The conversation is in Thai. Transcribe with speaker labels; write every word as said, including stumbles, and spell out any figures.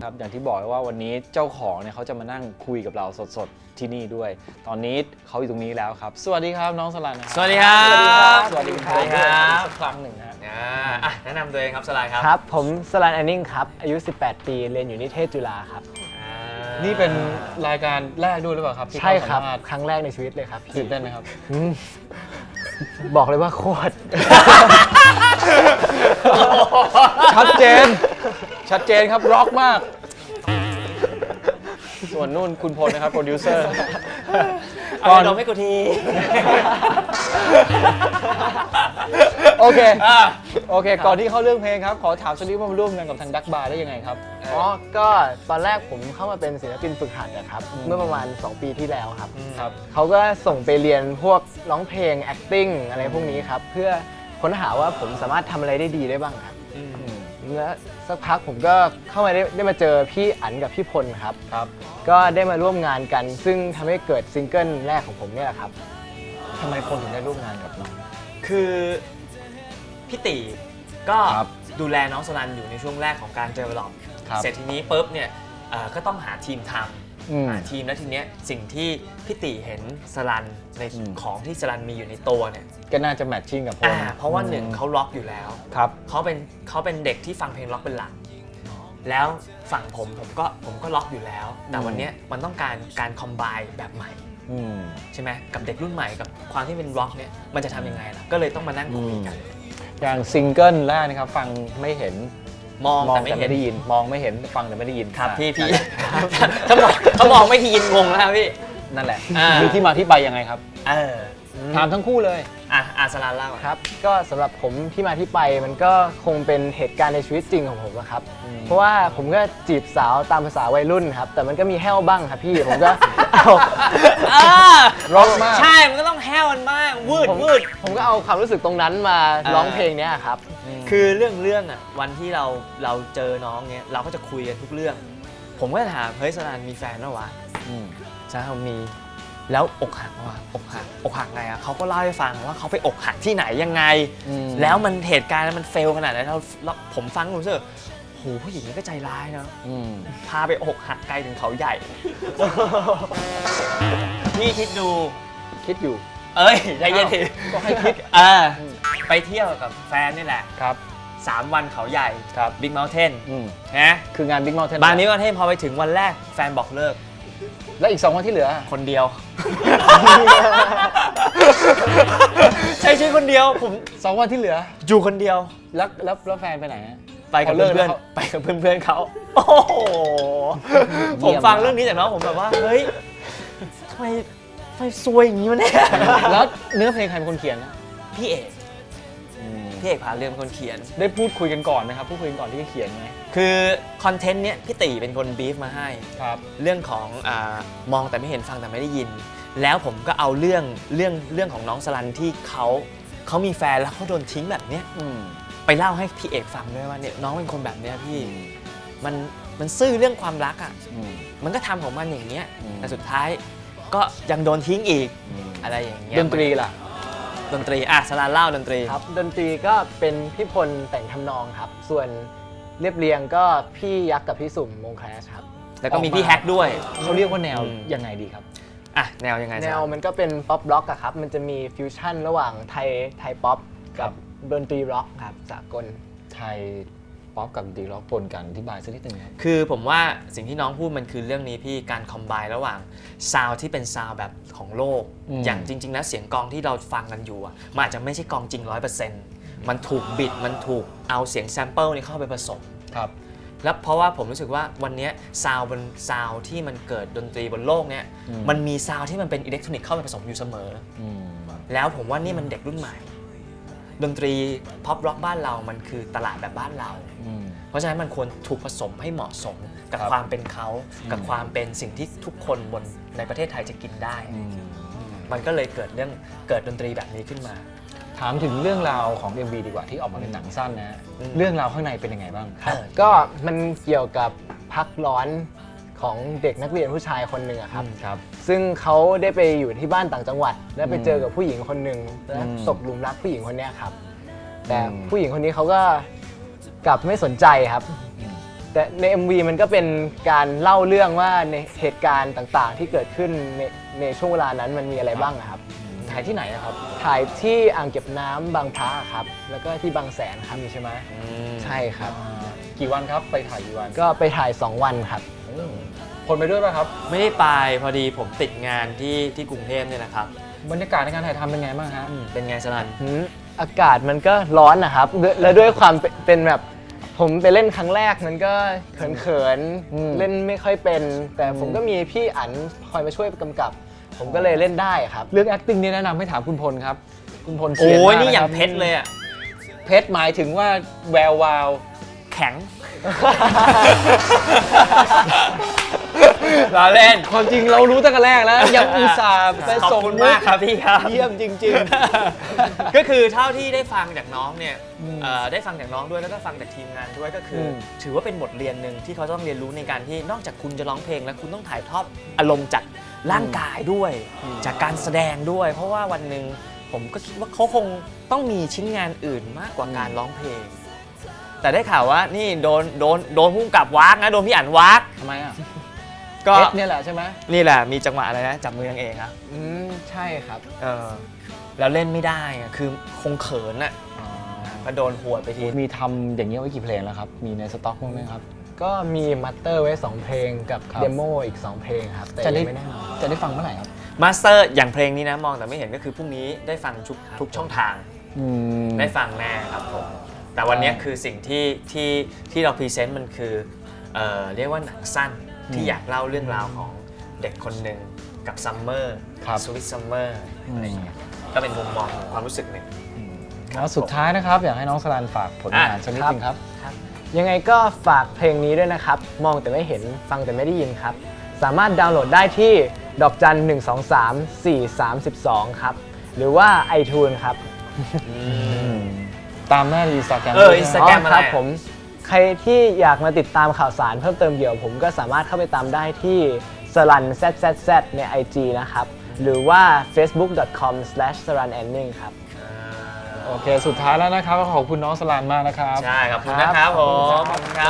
Speaker 1: ครับอย่างที่บอกว่าวันนี้เจ้าของเนี่ยเขาจะมานั่งคุยกับเราสดๆที่นี่ด้วยตอนนี้เขาอยู่ตรงนี้แล้วครับสวัสดีครับน้องสลันนะครับ
Speaker 2: สวัสดีครับ
Speaker 1: สวัสดีครับ
Speaker 2: สวัสดีครับ
Speaker 1: สักครั้งหนึ่งนะ
Speaker 2: อ่าอ่ะแนะนำตัวเองครับสลายครับ
Speaker 3: ครับผมสลันแอนนิงครับอายุสิบแปดปีเรียนอยู่นิเทศจุฬาครับ
Speaker 2: อ่า
Speaker 1: นี่เป็นรายการแรกด้วยหรือเปล่าครับที่
Speaker 3: ใช่ครับ
Speaker 1: เข้าสัมภาษณ์
Speaker 3: ครั้งแรกในชีวิตเลยครับ
Speaker 1: ตื่นเต้นไหมครับ
Speaker 3: อืมบอกเลยว่าโคตร
Speaker 1: ชัดเจน ชัดเจนครับร็อกมาก ส่วนนู่นคุณพลนะครับโปรดิวเซอร์
Speaker 2: เอายาดมให้กูที
Speaker 1: โอเค
Speaker 2: อ่ะ
Speaker 1: โอเค ก่อนที่เข้าเรื่องเพลงครับ ขอถามสักนิดว่ามาร่วมงานกับทางดักบาร์ได้ยังไงครับ
Speaker 3: อ๋อก็ตอนแรกผมเข้ามาเป็นศิลปินฝึกหัดนะครับ
Speaker 1: อืม
Speaker 3: เมื่อประมาณสองปีที่แล้วครับ
Speaker 1: ครับ
Speaker 3: เขาก็ส่งไปเรียนพวกร้องเพลง acting อะไรพวกนี้ครับ เพื่อค้นหาว่าผมสามารถทำอะไรได้ดีได้บ้างครับ
Speaker 2: อืม
Speaker 3: แล้วสักพักผมก็เข้ามาได้ได้มาเจอพี่อั๋นกับพี่พลครับ
Speaker 1: ครับ
Speaker 3: ก็ได้มาร่วมงานกัน ซึ่งทำให้เกิดซิงเกิลแรกของผมเนี่ยแหละครับ
Speaker 1: ทำไมคนถึงได้ร่วมงานกับน้อง
Speaker 2: คือพี่ตีก็
Speaker 1: ครับ
Speaker 2: ดูแลน้องสลันอยู่ในช่วงแรกของการเจอหลอ
Speaker 1: ครับ
Speaker 2: เสร็จทีนี้ปุ๊บเนี่ยเอ่อก็ต้องหาทีมท
Speaker 1: อืม
Speaker 2: ำหาทีมแล้วทีเนี้ยสิ่งที่พี่ตีเห็นสลันใน
Speaker 1: อืม
Speaker 2: ของที่สลันมีอยู่ในตัวเนี่ย
Speaker 1: ก็น่าจะแมทชิ่งกับพล
Speaker 2: อ่าเพราะว่าหนึ่งเขาล็อกอยู่แล้ว
Speaker 1: ครับ
Speaker 2: เขาเป็นเขาเป็นเด็กที่ฟังเพลงล็อกเป็นหลัก แล้วฝั่งผมผมก็ผมก็ล็อกอยู่แล้ว แต่
Speaker 1: อืม
Speaker 2: วันเนี้ยมันต้องการการคอมไบแบบใหม่
Speaker 1: อืม
Speaker 2: ใช่ไหมกับเด็กรุ่นใหม่กับความที่เป็นร็อกเนี่ยมันจะทำยังไงล่ะก็เลยต้องมานั่งคุยกัน
Speaker 1: อย่างซิงเกิลแรกนะครับ ฟังไม่เห็น
Speaker 2: มอง
Speaker 1: มอง
Speaker 2: แต่ไม่
Speaker 1: แต่
Speaker 2: เห็
Speaker 1: ไม่
Speaker 2: น
Speaker 1: ได้ยิน มองไม่เห็น ฟังแต่ไม่ได้ยิน
Speaker 2: ครับพี่พี่
Speaker 1: อ่ะ
Speaker 2: ถ้ามองถ้ามองไม่ทียินงงแล้วครับพี่
Speaker 1: นั่นแหละ
Speaker 2: อ่ามี
Speaker 1: มีที่มาที่ไปยังไงครับ
Speaker 2: เออ
Speaker 1: ถามทั้งคู่เลย
Speaker 2: อ่ะอาสลานเล่าอ่ะ
Speaker 3: ครับก็สำหรับผมที่มาที่ไปมันก็คงเป็นเหตุการณ์ในชีวิตจริงของผมอะครับ
Speaker 1: อืม
Speaker 3: เพราะว่าผมก็จีบสาวตามภาษาวัยรุ่นครับ แต่มันก็มีแห้วบ้างครับพี่ ผมก็ เอา
Speaker 2: อ่า
Speaker 1: ร็อกมาก
Speaker 2: ใช่มันก็ต้องแห้วมันมากวืด
Speaker 3: ผม
Speaker 2: วืด
Speaker 3: ผมก็เอาความรู้สึกตรงนั้นมา
Speaker 2: อ่า
Speaker 3: ร้องเพลงเนี้ยครับ
Speaker 2: คือเรื่องเรื่องอ่ะวันที่เราเราเจอน้องเนี้ยเราก็จะคุยกันทุกเรื่อง ผมก็จะถามเฮ้ยสลานมีแฟนแล้ววะ
Speaker 1: ม
Speaker 2: ใช่เขามีแล้วอกหักว่ะอกหักอกหักไงอ่ะเขาก็เล่าให้ฟังว่าเขาไปอกหักที่ไหนยังไง
Speaker 1: อืม
Speaker 2: แล้วมันเหตุการณ์มันเฟลขนาดไหนเราเราผมฟังผมรู้สึกโหผู้หญิงนี่ก็ใจร้ายเนอะ
Speaker 1: อืม
Speaker 2: พาไปอกหักไกลถึงเขาใหญ่ พี่คิดดู
Speaker 1: คิดอยู่
Speaker 2: เอ้ยใจเย็นที
Speaker 1: ก็ให้คิด
Speaker 2: เออไปเที่ยวกับแฟนนี่แหละ
Speaker 1: ครับ
Speaker 2: สามวันเขาใหญ่
Speaker 1: ครับ
Speaker 2: บิ๊กเมลเทน
Speaker 1: อืม
Speaker 2: นะ
Speaker 1: คืองานบิ๊ก o ม n เทน
Speaker 2: บางนี้ก็เทนพอไปถึงวันแรกแฟนบอกเลิก
Speaker 1: แล้วอีกสองวันที่เหลือ
Speaker 2: คนเดียว ใช้ชีวิตคนเดียวผม
Speaker 1: สองวันที่เหลือ
Speaker 2: อยู่คนเดียว
Speaker 1: แล้วแล้วแล้วแฟนไปไหนฮะ
Speaker 2: ไปกับ
Speaker 1: พอเลิก
Speaker 2: เพื่อน
Speaker 1: แล้วเขา
Speaker 2: ๆไปกับเพื่อนๆเขาโอ้โห
Speaker 1: เยี่
Speaker 2: ผม
Speaker 1: ยม
Speaker 2: ฟัง
Speaker 1: มาก
Speaker 2: เรื่องนี้จากน้องผมแบบว่า เฮ้ยทำไมทำไมซวยอย่างนี้วะเนี่ย
Speaker 1: แล้วเนื้อเพลงใครเป็นคนเขียนนะ
Speaker 2: พี่เอกพี่เอกพาเรื่องเป็นคนเขียน
Speaker 1: ได้พูดคุยกันก่อนไหมครับพูดคุยกันก่อนที่จะเขียนไหม
Speaker 2: คือคอนเทนต์เนี้ยพี่ตีเป็นคนบีฟมาให้
Speaker 1: ครับ
Speaker 2: เรื่องของอามองแต่ไม่เห็นฟังแต่ไม่ได้ยิน แล้วผมก็เอาเรื่องเรื่องเรื่องของน้องสลันที่เขาเขามีแฟนแล้วเขาโดนทิ้งแบบเนี้ย
Speaker 1: อืม
Speaker 2: ไปเล่าให้พี่เอกฟังด้วยว่าเนี่ยน้องเป็นคนแบบเนี้ยพี่มันมันซื่อเรื่องความรักอ่ะ
Speaker 1: อืม
Speaker 2: มันก็ทำของมันอย่างเงี้ย
Speaker 1: อืม
Speaker 2: แต่สุดท้ายก็ยังโดนทิ้งอีก
Speaker 1: อืม
Speaker 2: อะไรอย่างเงี้ย
Speaker 1: ดนตรีล่ะ
Speaker 2: ดนตรีอ่ะสลันเล่าดนตรี
Speaker 3: ครับดนตรีก็เป็นพี่พลแต่งทำนองครับ ส่วนเรียบเรียงก็พี่ยักษ์กับพี่สุ่มวงแคลชครับ
Speaker 2: แล้วก็มี
Speaker 1: ออกมา
Speaker 2: พี่แฮกด้วย
Speaker 1: เขาเรียกว่าแนว
Speaker 2: อืม
Speaker 1: ยังไงดีครับ
Speaker 2: อ่ะแนวยังไง
Speaker 3: แนวมันก็เป็นป๊อปร็อกอะครับ มันจะมีฟิวชั่นระหว่างไทยไทยป๊อปกับดนตรีร็อกครับสากล
Speaker 1: ไทยป๊อปกับดนตรีร็อกปนกันอธิบายสักนิดนึงครับ
Speaker 2: คือผมว่าสิ่งที่น้องพูดมันคือเรื่องนี้พี่การคอมไบระหว่างซาวที่เป็นซาวแบบของโลก
Speaker 1: อืม
Speaker 2: อย่างจริงๆแล้วเสียงกลองที่เราฟังกันอยู่อะมันอาจจะไม่ใช่กลองจริง ร้อยเปอร์เซ็นต์ มันถูกบิดมันถูกเอาเสียงแซมเปิลนี่เข้าไปผสม
Speaker 1: ครับ
Speaker 2: แล้วเพราะว่าผมรู้สึกว่าวันนี้ซาวบนซาวที่มันเกิดดนตรีบนโลกเนี้ย
Speaker 1: อืม
Speaker 2: มันมีซาวที่มันเป็นอิเล็กทรอนิกส์เข้าไปผสมอยู่เสมอ
Speaker 1: อืม
Speaker 2: แล้วผมว่านี่มันเด็กรุ่นใหม่ ดนตรีพ็อปร็อกบ้านเรามันคือตลาดแบบบ้านเรา
Speaker 1: อืม
Speaker 2: เพราะฉะนั้นมันควรถูกผสมให้เหมาะสมกับ
Speaker 1: ครับ
Speaker 2: ความเป็นเขากับ
Speaker 1: อืม
Speaker 2: ความเป็นสิ่งที่ทุกคนบนในประเทศไทยจะกินได้
Speaker 1: อืม
Speaker 2: มันก็เลยเกิดเรื่องเกิดดนตรีแบบนี้ขึ้นมา
Speaker 1: ถามถึงเรื่องราวของ เอ็ม วี ดีกว่าที่ออกมาเป็นหนังสั้นนะฮะ
Speaker 2: อืม
Speaker 1: เรื่องราวข้างในเป็นยังไงบ้าง
Speaker 2: เออ
Speaker 3: ก็มันเกี่ยวกับพักร้อนของเด็กนักเรียนผู้ชายคนหนึ่งอะครับ
Speaker 1: ครับ
Speaker 3: ซึ่งเขาได้ไปอยู่ที่บ้านต่างจังหวัด แล้วไป
Speaker 1: อืม
Speaker 3: เจอกับผู้หญิงคนหนึ่งแล้ว
Speaker 1: อืม
Speaker 3: ตกหลุมรักผู้หญิงคนเนี้ยครับ แต่
Speaker 1: อืม
Speaker 3: ผู้หญิงคนนี้เขาก็กลับไม่สนใจครับ
Speaker 1: อืม
Speaker 3: แต่ใน เอ็ม วี มันก็เป็นการเล่าเรื่องว่าในเหตุการณ์ต่างๆ ที่เกิดขึ้นในในช่วงเวลานั้นมันมีอะไรบ้างอะครับ
Speaker 1: ถ่ายที่ไหนอะครับ
Speaker 3: ถ่ายที่อ่างเก็บน้ำบางพระครับ แล้วก็ที่บางแสนครับ
Speaker 1: มีใช่ไหม
Speaker 3: ใช่ครับ
Speaker 1: อ่ากี่วันครับไปถ่ายกี่วัน
Speaker 3: ก็ไปถ่าย สอง วันครับ
Speaker 1: อืมคนไปด้วยป่ะครับ
Speaker 2: ไม่ได้ไปพอดีผมติดงานที่ที่กรุงเทพเนี่ยนะครับ
Speaker 1: บรรยากาศในการถ่ายทำเป็นไงบ้างฮะ
Speaker 2: อืมเป็นไงสลัน
Speaker 3: อืมอากาศมันก็ร้อนนะครับด้วยและด้วยความเป็นเป็นแบบผมไปเล่นครั้งแรกมันก็เขิน
Speaker 1: อืม
Speaker 3: ๆ เล่นไม่ค่อยเป็น แต่ผมก็มีพี่อั๋นคอยมาช่วยกำกับ ผมก็เลยเล่นได้ครับ
Speaker 1: เรื่อง acting นี่แนะนำให้ถามคุณพลครับ คุณพล
Speaker 2: โอ้
Speaker 1: เซียน
Speaker 2: ย
Speaker 1: มาก
Speaker 2: นี่อย่าง
Speaker 1: ะครับ
Speaker 2: เพชรเลยอ่ะ
Speaker 1: เพชรหมายถึงว่าแวววาว
Speaker 2: แข็ง รอเล่น
Speaker 1: ความจริงเรารู้ตั้งแต่แรกแล้ว ยังอุตส่าห์ไป
Speaker 2: ขอบ
Speaker 1: ส่ง
Speaker 2: คุณมากครับพี่ครับ
Speaker 1: เยี่ยมจริง
Speaker 2: ก็คือเท่าที่ได้ฟังจากน้องเนี่ย
Speaker 1: อืม
Speaker 2: เอ่อได้ฟังจากน้องด้วยแล้วก็ฟังจากทีมงานด้วยก็คืออ
Speaker 1: ม
Speaker 2: ถือว่าเป็นบทเรียนหนึ่งที่เขาต้องเรียนรู้ในการที่นอกจากคุณจะร้องเพลงแล้วคุณต้องถ่ายทอดอารมณ์จากร่างกายด้วย จากการแสดงด้วย เพราะว่าวันหนึ่งผมก็คิดว่าเขาคงต้องมีชิ้นงานอื่นมากกว่าการร้องเพลง แต่ได้ข่าวว่านี่โดนโดนโดนพุ่งกับวักนะโดนพี่อั๋นวัก
Speaker 1: ๆทำไมอ่ะ
Speaker 2: ก็
Speaker 1: เพชรเนี่ยแหละใช่ไหม
Speaker 2: นี่แหละมีจังหวะอะไรนะจับมือนางเอกครับ
Speaker 3: อืมใช่ครับ
Speaker 2: เออแล้วเล่นไม่ได้อะคือคงเขินอ่ะก็โดนหวดไปที
Speaker 1: มีทำอย่างนี้ยไว้กี่เพลงแล้วครับ มีในสต็อกบ้างไหมครับ
Speaker 3: ก็มีมัตเตอร์ไว้ สอง เพลงกับ
Speaker 1: ครับ
Speaker 3: เดโมอีก สอง เพลงครับ แต่
Speaker 1: จะได้
Speaker 3: ยังไม่แน่นอน
Speaker 1: จะได้ฟังเมื่อไหร่ครับ
Speaker 2: มาสเตอร์อย่างเพลงนี้นะมองแต่ไม่เห็นก็คือพรุ่งนี้ได้ฟังทุกทุกช่องทาง
Speaker 1: อืม
Speaker 2: ได้ฟังแน่ครับผมแต่วันนี้คือสิ่งที่ที่ที่เราพรีเซนต์มันคือเอ่อเรียกว่าหนังสั้นที่อยากเล่าเรื่องราวของเด็กคนหนึ่งกับซัมเมอร์
Speaker 1: ครับ
Speaker 2: สวิตซัมเมอร์อะไรอย่างเงี้ยก็เป็นมุมมองของความรู้สึกหนึ่ง
Speaker 1: แล้วสุดท้ายนะครับ อยากให้น้องสลันฝากผลงาน
Speaker 2: อ่ะ
Speaker 1: สักนิดนึงครับ
Speaker 3: ยังไงก็ฝากเพลงนี้ด้วยนะครับ มองแต่ไม่เห็นฟังแต่ไม่ได้ยินครับ สามารถดาวน์โหลดได้ที่ดอกจันหนึ่งสองสามสี่สามสิบสองครับ หรือว่า iTunes ครับ
Speaker 1: ตามหน้าดีสตาแกรม
Speaker 2: เออ Instagram
Speaker 3: อ๋อครับผม ใครที่อยากมาติดตามข่าวสารเพิ่มเติมเกี่ยวกับผมก็สามารถเข้าไปตามได้ที่สลัน แซด แซด แซด ใน ไอ จี นะครับ หรือว่า เฟซบุ๊ก ดอท คอม สแลช สลัน แอนนิ่ง ครับ
Speaker 1: โอเค สุดท้ายแล้วนะครับ ขอบคุณน้องสลันมากนะครับ
Speaker 2: ใช่ขอบคุณนะครับผมขอบคุณครับ